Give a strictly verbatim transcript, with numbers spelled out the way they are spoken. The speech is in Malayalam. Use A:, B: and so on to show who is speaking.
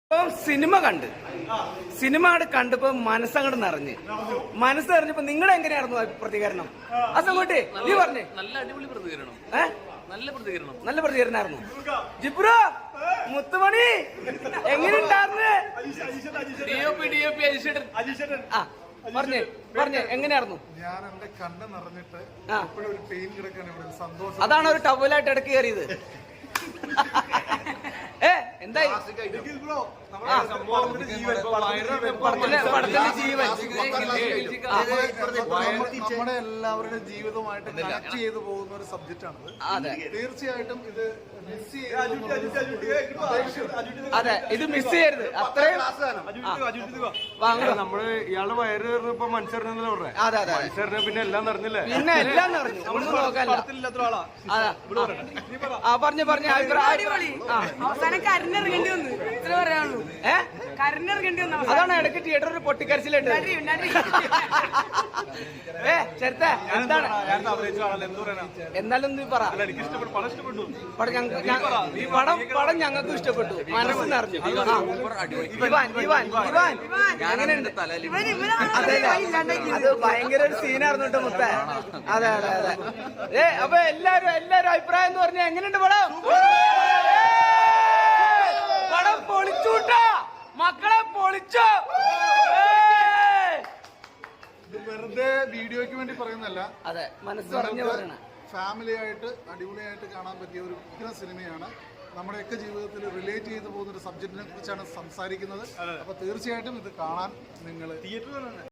A: ഇപ്പം സിനിമ കണ്ട് സിനിമ കണ്ടപ്പോ മനസ്സങ്ങോട്ട് നിറഞ്ഞ് മനസ്സ് നിറഞ്ഞപ്പോ നിങ്ങളുടെ എങ്ങനെയായിരുന്നു പ്രതികരണം? അസങ്ങോട്ടെ നീ പറഞ്ഞേ.
B: നല്ല അടിപൊളി പ്രതികരണം.
A: ഏഹ്
B: നല്ല പ്രതികരണം
A: നല്ല പ്രതികരണമായിരുന്നു. ജിബ്രോ മുത്തുമണി എങ്ങനെയുണ്ടായിരുന്നു? ആ പറഞ്ഞേ പറഞ്ഞേ എങ്ങനെയായിരുന്നു?
C: ഞാൻ എന്റെ കണ്ണ് നിറഞ്ഞിട്ട് ഒരു പെയിൻ കിടക്കാണ് ഇവിടെ സന്തോഷം.
A: അതാണ് ഒരു ടവലായിട്ട് ഇടയ്ക്ക് കയറിയത്. ഏ എന്തായി
C: നമ്മുടെ എല്ലാവരുടെ ജീവിതവുമായിട്ട് കണക്ട് ചെയ്തു പോകുന്ന ഒരു സബ്ജക്റ്റ് ആണ്. തീർച്ചയായിട്ടും ഇത് മിസ്
A: അതെ ഇത് മിസ് ചെയ്യരുത്. അത്രയും
D: നമ്മള് ഇയാള് വയറ് കയറുന്നപ്പോ മനുഷ്യറിനല്ലേ പറഞ്ഞേ?
A: അതെ അതെ
D: മനുഷ്യറിനെ പിന്നെ എല്ലാം നിറഞ്ഞില്ലേ?
A: പിന്നെ എല്ലാം നിറഞ്ഞു. ഒന്നും നോക്കാനില്ല. ആ പറഞ്ഞു പറഞ്ഞു
E: അവസാനം കരഞ്ഞിറങ്ങേണ്ടി വന്നു. ഇത്ര പറയാനുള്ളൂ.
A: ഏഹ്
E: കരഞ്ഞിറങ്ങേണ്ടി വന്നു.
A: അതാണ് ഇടയ്ക്ക് തിയേറ്ററിൽ പൊട്ടിക്കരച്ചിലുണ്ട്. ഏ ചെറുത്ത എന്താണ് എന്നാലും നീ പറ. പടം പടം ഞങ്ങൾക്ക് ഇഷ്ടപ്പെട്ടു. മനസ്സ് നിറഞ്ഞു. ഇവാൻ ഇവാൻ ഇവാൻ അങ്ങനെയുണ്ട്. അതെ അത് ഭയങ്കര ഒരു സീനായിരുന്നു കേട്ടോ മുത്ത. അതെ അതെ അതെ. ഏ അപ്പൊ എല്ലാരും എല്ലാരും അഭിപ്രായം എന്ന് പറഞ്ഞാൽ എങ്ങനെയുണ്ട് പടം? പടം പൊളിച്ചുട്ടാ മക്കളെ പൊളിച്ചോ.
C: ഇത് വെറുതെ വീഡിയോയ്ക്ക് വേണ്ടി പറയുന്നല്ല.
A: അതെ മനസ്സ് പറഞ്ഞു പറയണ
C: ഫാമിലി ആയിട്ട് അടിപൊളിയായിട്ട് കാണാൻ പറ്റിയ ഒരു ഉഗ്ര സിനിമയാണ്. നമ്മുടെയൊക്കെ ജീവിതത്തിൽ റിലേറ്റ് ചെയ്തു പോകുന്ന ഒരു സബ്ജക്റ്റിനെ കുറിച്ചാണ് സംസാരിക്കുന്നത്. അപ്പൊ തീർച്ചയായിട്ടും ഇത് കാണാൻ നിങ്ങൾ തിയേറ്ററിൽ